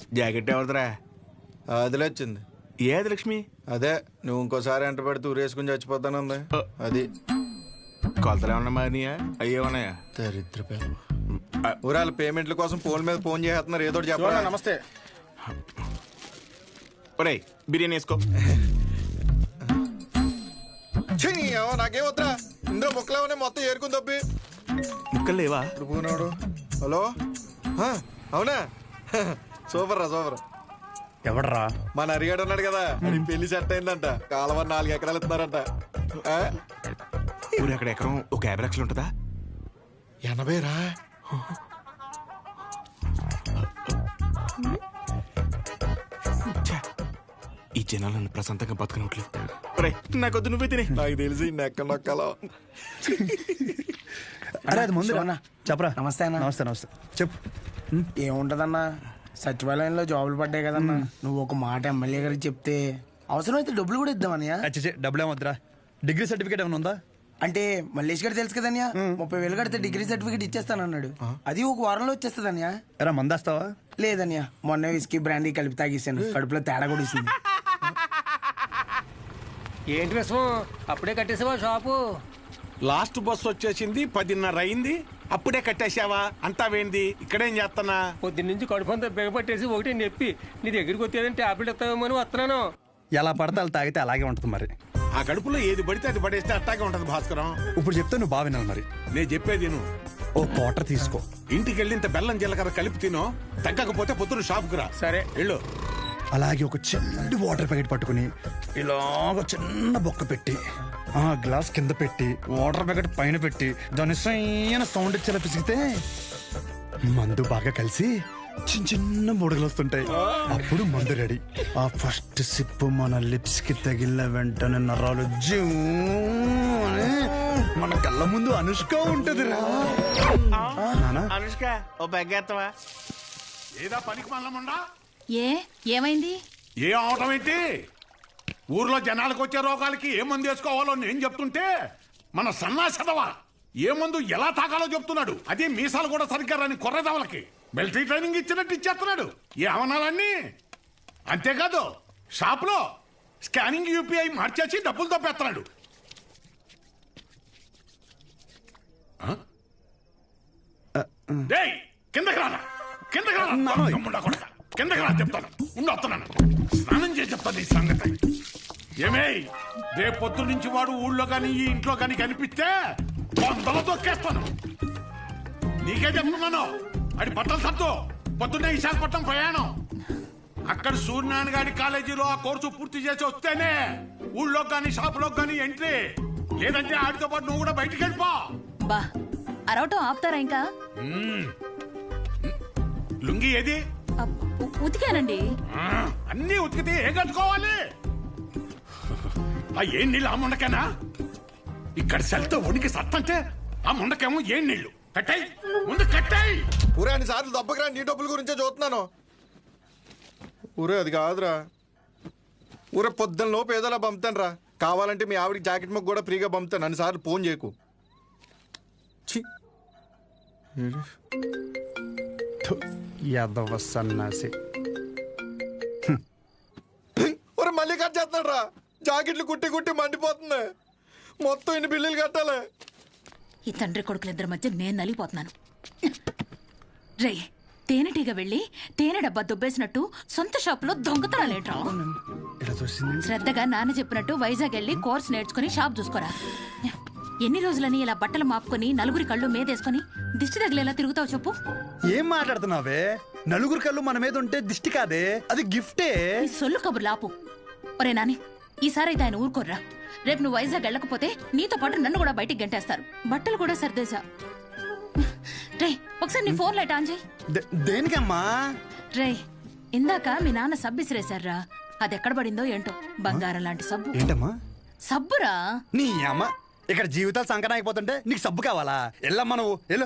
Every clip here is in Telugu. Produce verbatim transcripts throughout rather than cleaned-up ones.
జాకెట్ ఎవరిదిరా? అదిలే వచ్చింది. ఏది లక్ష్మి? అదే నువ్వు ఇంకోసారి ఎంట పెడితే ఊరేసుకుని చచ్చిపోతానుంది. అది కొలతలు ఏమన్నా మారినాయా? అయ్యే ఉన్నాయా? దరిద్ర ఊరాల పేమెంట్ల కోసం ఫోన్ మీద ఫోన్ చేస్తున్నారు. ఏదో చెప్పరా? నమస్తే. ఒరే బిర్యానీ వేసుకో. నాకేం వద్దా, ఇందులో ముక్కలేమనే మొత్తం ఏరుకుని తప్పి. ముక్కలు లేవా? పోనాడు. హలో, అవునా? సూపర్ రా సూపర్. ఎవడరా? మన అరిగాడు ఉన్నాడు కదా, అది పెళ్లి సెట్ అయిందంట. కాలువ నాలుగు ఎకరాలు ఇస్తున్నారంట. ఊరు అక్కడ ఎకరం ఒక యాభై లక్షలు ఉంటుందా? ఎనభై రా. ఈ జనాలు నన్ను ప్రశాంతంగా బతకనట్లు. నాకొద్దు, నువ్వే తినే. నాకు తెలిసి నెక్క నొక్కలో. అరే అది ముందు చెప్పరా. నమస్తే అన్న. నమస్తే నమస్తే చెప్పు. ఏముంటదన్నా, సచివాలయంలో జాబులు పడ్డాయి కదన్నా. నువ్వు ఒక మాట ఎమ్మెల్యే గారికి చెప్తే అవసరమైతే డబ్బులు కూడా ఇద్దామన్నయ్య. అచ్చే డబ్బులు ఏమొద్దురా. డిగ్రీ సర్టిఫికేట్ ఏమైనా ఉందా? అంటే మల్లేష్ గారు తెలుసు కదన్యా, ముప్పై వేలు కడితే డిగ్రీ సర్టిఫికేట్ ఇచ్చేస్తానన్నాడు. అది ఒక వారంలో వచ్చేస్తుందన్యా. ఎరా మందేస్తావా? లేదన్యా, మొన్న విస్కీ బ్రాండీ కలిపి తాగేసాను. కడుపులో తేడా కూడా ఇస్తుంది. ఏంటి విషయం? అప్పుడే కట్టేసావా షాపు? లాస్ట్ బస్ వచ్చేసింది, పదిన్నర అయింది, అప్పుడే కట్టేసావా? అంతా వేంది, ఇక్కడేం చేస్తానా? పొద్దున్న నుంచి కడుపు అంతా బిగపట్టేసి ఒకటి నొప్పి. నీ దగ్గరికి వచ్చేదని టాబ్లెట్ ఇస్తావేమో అని వస్తున్నాను. ఎలా పడితే అలా తాగితే అలాగే ఉంటుంది మరి. ఆ కడుపులో ఏది పడితే అది పడేస్తే అట్టాగే ఉంటది భాస్కరం. ఇప్పుడు చెప్తే నువ్వు బాగా వినాలి మరి. నేను చెప్పేది నువ్వు ఓ క్వార్టర్ తీసుకో. ఇంటికి వెళ్ళి ఇంత బెల్లం జీలకర్ర కలిపి తినో. తగ్గకపోతే పొద్దున షాప్కి రా. సరే వెళ్ళు. అలాగే ఒక చిన్న వాటర్ ప్యాకెట్ పట్టుకుని ఇలాగ చిన్న బొక్క పెట్టి ఆ గ్లాస్ కింద పెట్టి వాటర్ ప్యాకెట్ పైన పెట్టి దాని సైన సౌండ్ ఇచ్చేలా పిసిగితే మందు బాగా కలిసి చిన్న చిన్న బుడగలు వస్తుంటాయి. అప్పుడు మందు రెడీ. ఆ ఫస్ట్ సిప్ మన లిప్స్ కి తగిలిన వెంటనే నరాలు జూ అని మన కళ్ళ ముందు అనుష్క ఉంటది రా. అనుష్క ఓ బెగ్గేత్తవా? ఏదా పనికి మల్లముండా? ఏ ఏమైంది? ఏ అవటం ఏంటి? ఊర్లో జనాలకు వచ్చే రోగాలకి ఏ మందు వేసుకోవాలో నేను చెప్తుంటే మన సన్నాసదవా ఏ మందు ఎలా తాగాలో చెప్తున్నాడు. అదే మీసాలు కూడా సరిగ్గా రాని కొర్రదవలకి మిలిటరీ ట్రైనింగ్ ఇచ్చినట్టు ఇచ్చేస్తున్నాడు. ఏ అవనాలన్నీ అంతేకాదు, షాప్లో స్కానింగ్ యూపీఐ మార్చేసి డబ్బులు తప్పేస్తున్నాడు. కిందకి రానా, కిందకి రానా, కిందకి రా చెప్తాను. ఉండి వస్తున్నాను, స్నానం చేసి చెప్తాను ఈ సంగతి. ఏమే రేపు పొద్దు నుంచి వాడు ఊళ్ళో కానీ ఈ ఇంట్లో కానీ కనిపిస్తే వందలు తొక్కేస్తాను. నీకే చెప్తున్నాను. అది బట్టలు సత్తు పొద్దున్నే విశాఖపట్నం ప్రయాణం. అక్కడ సూర్యనారాయణ గారి కాలేజీలో ఆ కోర్సు పూర్తి చేసి వస్తేనే ఊళ్ళో కానీ షాపులో కానీ ఎంట్రీ. లేదంటే ఆడితో పాటు నువ్వు కూడా బయటికి వెళ్ళిపో. బా అరవటం ఆపుతారా ఇంకా? లుంగి ఏది? ఉతికానండి. అన్నీ ఉతికితే ఏం కట్టుకోవాలి? ఆ ఏం నీళ్ళు ఆ ముండకేనా? ఇక్కడ సెల్తో ఉనికి సత్తంటే ఆ ముండకేమో ఏం నీళ్లు? కట్టాయి ముందు కట్టాయి. ఊరే అన్ని సార్లు దెబ్బకి రా, నీ డబ్బుల గురించే చూస్తున్నాను. ఊరే అది కాదురా, ఊరే పొద్దున్న లోపు ఏదోలా పంపుతాను రా. కావాలంటే మీ ఆవిడకి జాకెట్ మొక్క కూడా ఫ్రీగా పంపుతాను. అన్ని సార్లు ఫోన్ చేయకు. యాదవ సన్నాసి. ఒరే మళ్ళీ కట్ చేస్తున్నాడు రా. జాకెట్లు కుట్టి కుట్టి మండిపోతుంది. మొత్తం ఇన్ని బిల్లులు కట్టాలి. ఈ తండ్రి కొడుకులిద్దరి మధ్య నేను నలిగిపోతున్నాను. రే తేనెటీగ వెళ్ళి తేనె డబ్బా దుబ్బేసినట్టు సొంత షాపులో దొంగతనాలేంట్రా? శ్రద్ధగా నాన్న చెప్పినట్టు వైజాగ్ వెళ్ళి కోర్స్ నేర్చుకుని షాప్ చూసుకోరా. ఎన్ని రోజులని ఇలా బట్టలు మాపుకొని నలుగురి కళ్ళు మీదేసుకొని దిష్టి తగిలేలా తిరుగుతావు చెప్పు? ఏం మాట్లాడుతున్నావే? నలుగురి కళ్ళు మన మీద ఉంటే దిష్టి కాదే, అది గిఫ్టే. ఈ సొల్లు కబుర్లు ఆపు. ఒరే నాని, ఈసారి అయితే ఆయన ఊరుకోర్రా. రేపు నువ్వు వైజాగ్ వెళ్ళకపోతే నీతో పాటు నన్ను కూడా బయటికి గంటేస్తారు. బట్టలు కూడా సర్దేశా. రే ఒకసారి నీ ఫోన్ లైట్ ఆన్ చేయి. దేనికమ్మా? రే ఇందాక మీ నాన్న సబ్బు ఇసిరేశారా, అది ఎక్కడ పడిందో ఏంటో. బంగారం లాంటి సబ్బు. ఏంటమ్మా? సబ్బురా. నీ అమ్మ ఇక్కడ జీవితాలు సంకటం అయిపోతుంటే నీకు సబ్బు కావాలా? వెళ్ళమ్మా నువ్వు వెళ్ళు.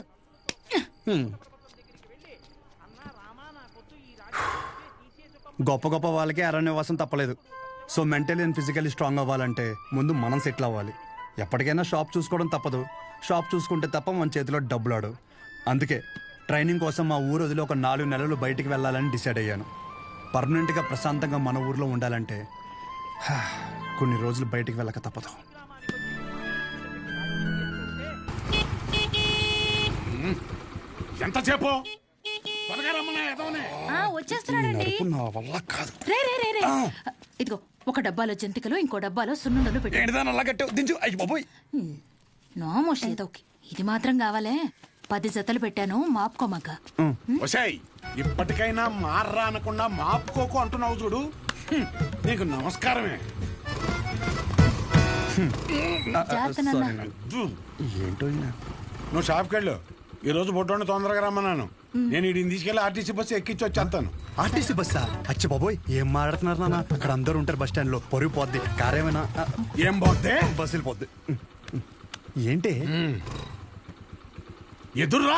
గొప్ప గొప్ప వాళ్ళకి అరణ్యవాసం తప్పలేదు. So mentally and physically strong అవ్వాలంటే ముందు మనం సెటిల్ అవ్వాలి. ఎప్పటికైనా షాప్ చూసుకోవడం తప్పదు. షాప్ చూసుకుంటే తప్ప మన చేతిలో డబ్బులాడు. అందుకే ట్రైనింగ్ కోసం మా ఊరు వదిలి ఒక నాలుగు నెలలు బయటికి వెళ్ళాలని డిసైడ్ అయ్యాను. పర్మనెంట్గా ప్రశాంతంగా మన ఊర్లో ఉండాలంటే హా, కొన్ని రోజులు బయటికి వెళ్ళక తప్పదు. ఎంతసేపు త్వరగా రమ్మన్నా ఎదవనే. ఆ, వచ్చేస్తున్నాడండి. నడుపు నా వల్ల కాదు. రే రే రే రే ఇదిగో ఒక డబ్బాలో జంతికలు ఇంకో డబ్బాలో సున్నుండలు పెట్టు. ఏంటిదాని అలా కట్టావు? దించు. అయ్యి బాబోయ్. నోమోష్ ఏదోకి ఇది మాత్రం కావాలే. పది జతలు పెట్టాను మాపుకోమాక. ఒసేయ్ ఇప్పటికైనా మార్రా అనకుండా మాపుకోకు అంటున్నావు చూడు. హ్మ్, నీకు నమస్కారమే. జాగ్రత్త నాన్న. అజ్జు, ఏంటో ఈయన. నువ్వు షాప్కి వెళ్ళు. ఈ రోజు బొడ్డోని తొందరగా రమ్మన్నాను. నేను వీడిని తీసుకెళ్ళి ఆర్టీసీ బస్సు ఎక్కించి వచ్చేస్తాను. ఆర్టీసీ బస్సా? అచ్చి బాబోయ్, ఏం మాట్లాడుతున్నారు నాన్న? అక్కడ అందరూ ఉంటారు బస్ స్టాండ్ లో. పొరుగు పోద్ది. కారేమైనా ఏం పోతే బస్సు వెళ్ళిపోద్ది. ఏంటి ఎదుర్రా.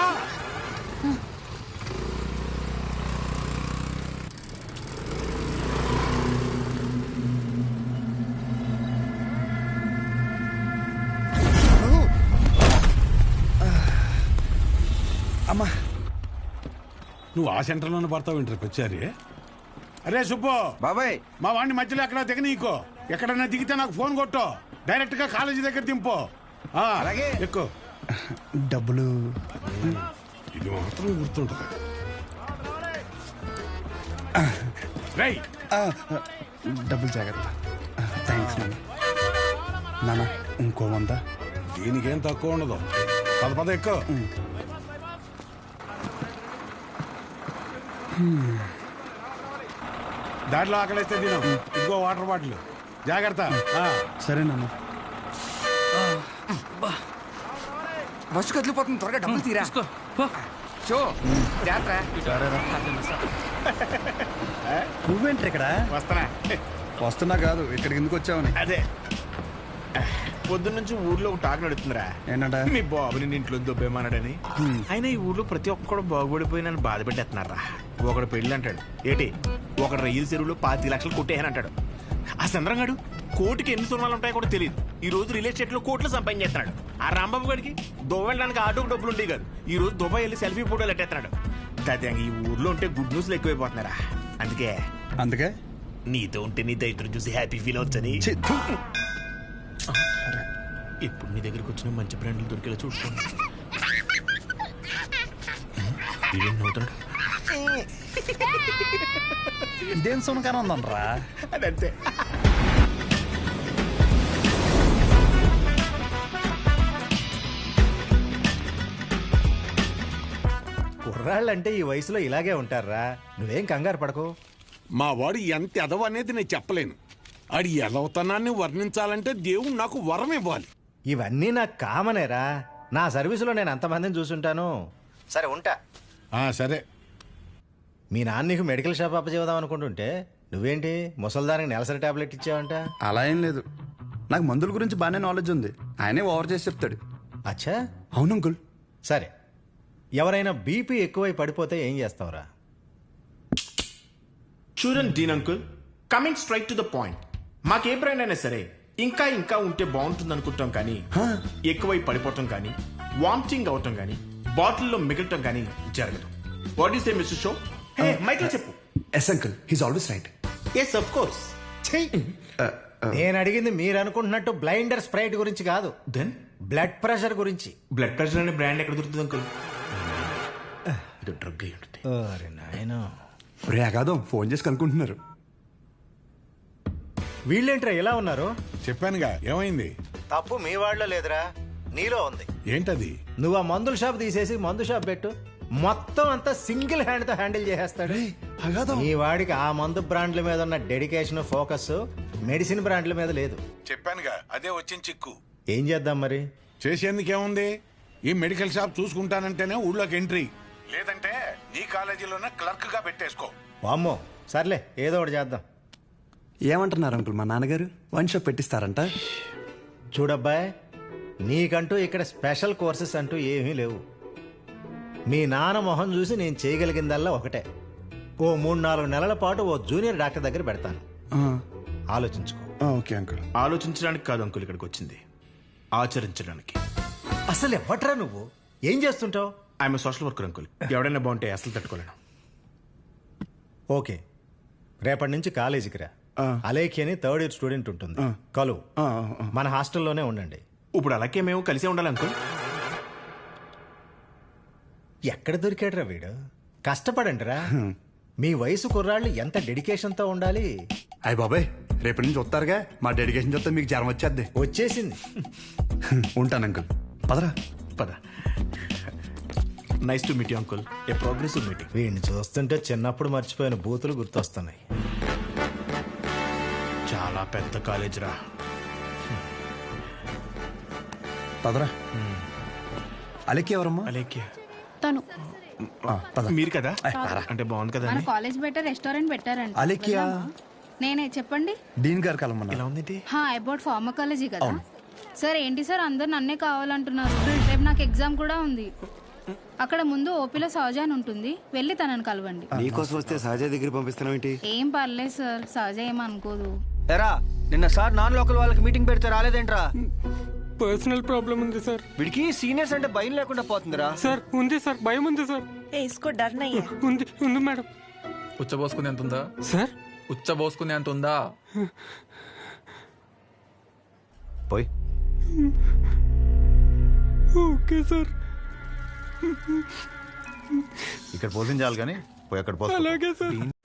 అమ్మా, నువ్వు ఆ సెంటర్లోనే పడతావు ఇంటర్కి వచ్చారి. అరే సుబ్బు బాబాయ్, మా వాడిని మధ్యలో ఎక్కడ దిగ నీకో. ఎక్కడన్నా దిగితే నాకు ఫోన్ కొట్టు. డైరెక్ట్ గా కాలేజీ దగ్గర దింపు. ఆ, అలాగే. ఎక్కువ డబ్బులు ఇది మాత్రం గుర్తుంటుంది. రేయ్ ఆ, డబ్బులు జాగ్రత్త. థ్యాంక్స్ నాన్న. నాన్న ఇంకో వంద. దీనికేం తక్కువ ఉండదు. పద పద ఎక్కువ. దాంట్లో ఆకలిస్తే తిను. ఇదిగో వాటర్ బాటిల్. జాగ్రత్త. ఆ. సరే నాన్న. బస్సు కదిలిపోతుంది, త్వరగా డబ్బులు తీరా. షో జాగ్రత్త. నువ్వేంటి ఇక్కడ? వస్తానా? వస్తున్నా కాదు, ఇక్కడికి ఎందుకు వచ్చావని. అదే పొద్దున్నుంచి ఊర్లో ఒక టాక్ నడుతుందిరా. ఏంటంట? మీ బాబుని నీ ఇంట్లో దొబ్బేమన్నాడని. అయినా ఈ ఊర్లో ప్రతి ఒక్కడు బాగుపడిపోయి నన్ను బాధ పెట్టేస్తున్నారా. ఒకడు పెళ్ళి అంటాడు ఏటి, ఒకడు రైలు చెరువులో పాతి లక్షలు కొట్టేయని అంటాడు. ఆ చంద్రంగాడు కోటికి ఎన్ని సున్నాలు ఉంటాయో కూడా తెలియదు. ఈ రోజు రియల్ ఎస్టేట్ లో కోట్లు సంపాదించేస్తున్నాడు. ఆ రాంబాబు గడికి దుబాయ్ వెళ్ళడానికి ఆటోకి డబ్బులు ఉండేవి కాదు. ఈ రోజు దుబాయ్ వెళ్ళి సెల్ఫీ ఫోటోలు పెట్టేస్తున్నాడు. దాదాపు ఈ ఊర్లో ఉంటే గుడ్ న్యూస్లు ఎక్కువైపోతున్నారా. అందుకే అందుకే నీతో ఉంటే నీ దైత్రం చూసి హ్యాపీ ఫీల్ అవచ్చని. ఛీ, థు. ఇప్పుడు నీ దగ్గరకు వచ్చిన మంచి బ్రాండ్లు దొరికేలా చూసుకోండి. ఇదేం సునకారం ఉందనరా? అదంతే. కుర్రాళ్ళంటే ఈ వయసులో ఇలాగే ఉంటారా. నువ్వేం కంగారు పడకు. మా వాడు ఎంత ఎదవ అనేది నేను చెప్పలేను. ఆడి ఎదవతనాన్ని వర్ణించాలంటే దేవుడు నాకు వరం ఇవ్వాలి. ఇవన్నీ నాకు కామనేరా. నా సర్వీసులో నేను అంతమందిని చూసుంటాను. సరే ఉంటా. ఆ సరే. మీ నాన్న నీకు మెడికల్ షాప్ అప్పచేద్దాం అనుకుంటుంటే నువ్వేంటి ముసల్దానికి నెలసరి టాబ్లెట్ ఇచ్చావంట? అలా ఏం లేదు, నాకు మందుల గురించి బాగానే నాలెడ్జ్ ఉంది. ఆయనే ఓవర్ చేసి చెప్తాడు. అచ్చా, అవును అంకుల్. సరే. ఎవరైనా బీపీ ఎక్కువై పడిపోతే ఏం చేస్తావురా? చూడండి Dean uncle, coming straight to the point. మాకే బ్రాండ్ అయినా సరే ఇంకా ఇంకా ఉంటే బాగుంటుంది అనుకుంటాం, కానీ ఎక్కువై పడిపోవటం కానీ వామిటింగ్ అవటం కానీ బాటిల్లో మిగలటం కానీ జరగదు. What is a mister show? Mic లో చెప్పు. Yes uncle, he's always right. Yes of course. నేను అడిగింది మీరు అనుకుంటున్నట్టు బ్లైండర్ స్ప్రైట్ గురించి కాదు, దెన్ బ్లడ్ ప్రెషర్ గురించి. బ్లడ్ ప్రెషర్ అనే బ్రాండ్ ఎక్కడ దొరుకుతుంది అంకుల్? ఇది డ్రగ్ అయి ఉంటుంది. అరే నాయనా, రే అగాదం ఫోన్ చేసి కనుక్కుంటున్నారు. వీళ్ళేంట్రా ఇలా ఉన్నారు? చెప్పానుగా ఏమైంది. తప్పు మీ వాళ్ళలో లేదురా, నీలో ఉంది. ఏంటది? నువ్వు ఆ మందుల షాప్ తీసేసి మందు షాప్ పెట్టు, మొత్తం అంతా సింగిల్ హ్యాండ్ తో హ్యాండిల్ చేసేస్తాడు. అగాదం ఈ వాడికి ఆ మందు బ్రాండ్ల మీద ఉన్న డెడికేషన్, ఫోకస్ మెడిసిన్ బ్రాండ్ల మీద లేదు. చెప్పానుగా అదే వచ్చిన చిక్కు. ఏం చేద్దాం మరి? చేసేందుకేముంది, ఈ మెడికల్ షాప్ చూసుకుంటానంటేనే ఊళ్ళోకి ఎంట్రీ, లేదంటే నీ కాలేజీలోనే క్లర్క్ గా పెట్టేసుకో. వామ్మో, సర్లే ఏదో ఒకటి చేద్దాం. ఏమంటున్నారు అంకుల్? మా నాన్నగారు వన్ షాప్ పెట్టిస్తారంట. చూడబ్బాయ్, నీకంటూ ఇక్కడ స్పెషల్ కోర్సెస్ అంటూ ఏమీ లేవు. మీ నాన్న మొహం చూసి నేను చేయగలిగిందల్లా ఒకటే, ఓ మూడు నాలుగు నెలల పాటు ఓ జూనియర్ డాక్టర్ దగ్గర పెడతాను. ఆలోచించుకో. Okay uncle. ఆలోచించడానికి కాదు అంకుల్ ఇక్కడికి వచ్చింది, ఆచరించడానికి. అసలు ఎవట్రా నువ్వు? ఏం చేస్తుంటావు? I'm social worker uncle. ఎవడైనా బాగుంటే అసలు తట్టుకోలేను. ఓకే, రేపటి నుంచి కాలేజీకి రా. అలేఖి అని థర్డ్ ఇయర్ స్టూడెంట్ ఉంటుంది, కలువు. మన హాస్టల్లోనే ఉండండి. ఇప్పుడు అలాగే మేము కలిసే ఉండాలి అంకుల్. ఎక్కడ దొరికాడురా వీడు? కష్టపడండిరా. మీ వయసు కుర్రాళ్ళు ఎంత డెడికేషన్తో ఉండాలి. అయ్య బాబాయ్, రేపటి నుంచి వస్తారుగా, మా డెడికేషన్ చూస్తే మీకు జ్వరం వచ్చేద్ది. వచ్చేసింది. ఉంటాను అంకుల్. పదరా. పద. Nice to meet you uncle. A progressive meeting. వీడిని చూస్తుంటే చిన్నప్పుడు మర్చిపోయిన బూతులు గుర్తొస్తున్నాయి. చాలా పెద్ద కాలేజ్ రా. పదరా. అలెక్కి ఎవరమ్మా? అలేఖ్య తను మీరు కదా? అంటే బాగుంది కదా మన అని. కాలేజ్ బయట రెస్టారెంట్ పెట్టారంట. అలెక్కియా? నేనే చెప్పండి. డీన్ గారు కలమన్నా. ఎలా ఉంది? హా అబౌట్ ఫార్మకాలజీ కదా సార్. ఏంటి సార్ అందరు నన్నే కావాలంటున్నారు? రేపు నాకు ఎగ్జామ్ కూడా ఉంది. అక్కడ ముందు ఓపీలో సహజ అని ఉంటుంది, వెళ్ళి తనని కలవండి. నీకోసం వస్తే సహజ దగ్గర పంపిస్తున్నావు ఏంటి? ఏం పర్లేదు సార్, సహజ ఏమనుకోదు. ఎరా నిన్న సార్ నాన్ లోకల్ వాళ్ళకి మీటింగ్ పెడితే రాలేదేంట్రా? పర్సనల్ ప్రాబ్లం ఉంది సార్. వీడికి సీనియర్స్ అంటే భయం లేకుండా పోతుందిరా. సార్ ఉంది సార్, భయం ఉంది సార్. ఉంది ఉంది మేడం. ఉచ్చబోసుకునే అంత ఉందా సార్? ఉచ్చబోసుకునే అంత ఉందా? పోయి. Okay sir. ఇక్కడ పోసించాలి కానీ పోయి అక్కడ పోయి. అలాగే సార్.